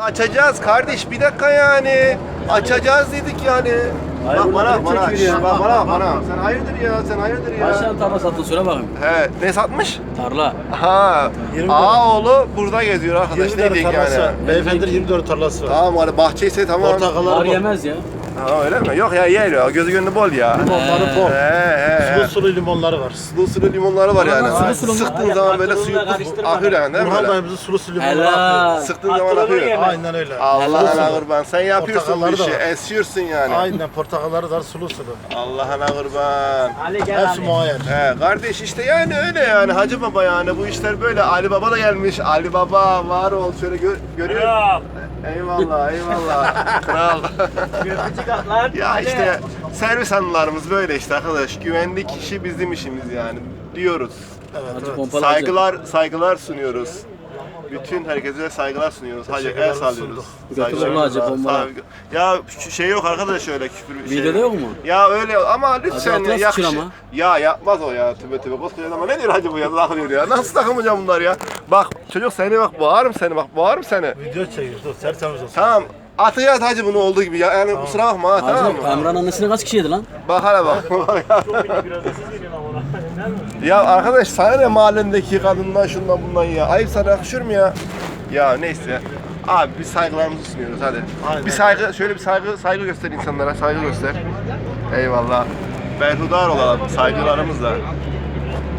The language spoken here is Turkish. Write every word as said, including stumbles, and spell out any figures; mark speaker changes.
Speaker 1: Açacağız kardeş, bir dakika yani. Açacağız dedik yani. Bak bana, bana, şş, bak bana, bana. Sen hayırdır ya, sen hayırdır ya.
Speaker 2: Kaç tane tarla sattın söyle bakayım.
Speaker 1: He, ne satmış?
Speaker 2: Tarla.
Speaker 1: Ha, Ağaoğlu burada geziyor arkadaş.
Speaker 3: yirmi
Speaker 1: Ne
Speaker 3: tane
Speaker 1: diyeyim
Speaker 3: tarlası var.
Speaker 1: yani?
Speaker 3: Beyefendi yirmi dört tarlası var.
Speaker 1: Tamam hadi bahçeyse tamam.
Speaker 3: Portakalları
Speaker 2: Var
Speaker 3: bol.
Speaker 2: yemez ya.
Speaker 1: Ha öyle mi? Yok ya yer ya, gözü gönlü bol ya.
Speaker 3: Limonları bol.
Speaker 1: He he.
Speaker 3: Sulu sulu limonları var.
Speaker 1: Sulu sulu limonları var yani.
Speaker 2: Sulu sulu mu?
Speaker 1: Sıktığın zaman böyle suyu akıyor yani değil mi?
Speaker 3: Burhan
Speaker 1: Böyle?
Speaker 3: dayımızın sulu sulu limonları
Speaker 2: Helal.
Speaker 3: akıyor.
Speaker 1: Sıktığın zaman akıyor.
Speaker 3: Aynen öyle.
Speaker 1: Allah'ına kurban. Sen yapıyorsun bu
Speaker 3: Portakalları da
Speaker 1: işi.
Speaker 3: var.
Speaker 1: Esiyorsun yani.
Speaker 3: Aynen portakalları da sulu sulu.
Speaker 1: Allah'ına kurban.
Speaker 3: Hepsi muayyen.
Speaker 1: He kardeş işte yani öyle yani Hacı Baba yani bu işler böyle. Ali Baba da gelmiş. Ali Baba var ol şöyle gör, görüyor. Eyvallah eyvallah. Kral. Ya işte servis anılarımız böyle işte arkadaş. Güvenlik işi bizim işimiz yani diyoruz.
Speaker 3: Evet,
Speaker 2: Hacı
Speaker 3: evet.
Speaker 2: pompalı hacı.
Speaker 1: Saygılar saygılar sunuyoruz. Bütün herkese saygılar sunuyoruz. Hacı el
Speaker 3: Teşekkürler,
Speaker 1: sallıyoruz.
Speaker 3: sunduk.
Speaker 2: Götürün hacı, bomba.
Speaker 1: saygı- Ya şu şey yok arkadaş öyle küfür bir şey.
Speaker 2: Videoda yok mu?
Speaker 1: Ya öyle ama lütfen
Speaker 2: Hacı
Speaker 1: ya
Speaker 2: Atlas
Speaker 1: yakış.
Speaker 2: için ama.
Speaker 1: Ya yapmaz o ya tübe tübe koskoca ama ne diyor hacı bu ya takılıyor ya. Nasıl takılmayacağım bunlar ya? Bak çocuk seni bak boğarım seni bak boğarım seni.
Speaker 3: Video çekiyoruz. Dur tertemiz olsun.
Speaker 1: Tamam. Atacağız hacı bunu olduğu gibi ya. Yani kusura bakma ha tamam
Speaker 2: Hacı
Speaker 1: mı?
Speaker 2: Emrah'ın annesine kaç kişi yedi lan?
Speaker 1: Bak hala bak. Ya arkadaş sana ne mahallendeki kadından şundan bundan ya. Ayıp sana yakışır mı ya? Ya neyse. Abi biz saygılarımızı sunuyoruz hadi.
Speaker 3: Aynen.
Speaker 1: Bir saygı, şöyle bir saygı saygı göster insanlara, saygı göster. Eyvallah. Berhudar olalım saygılarımızla.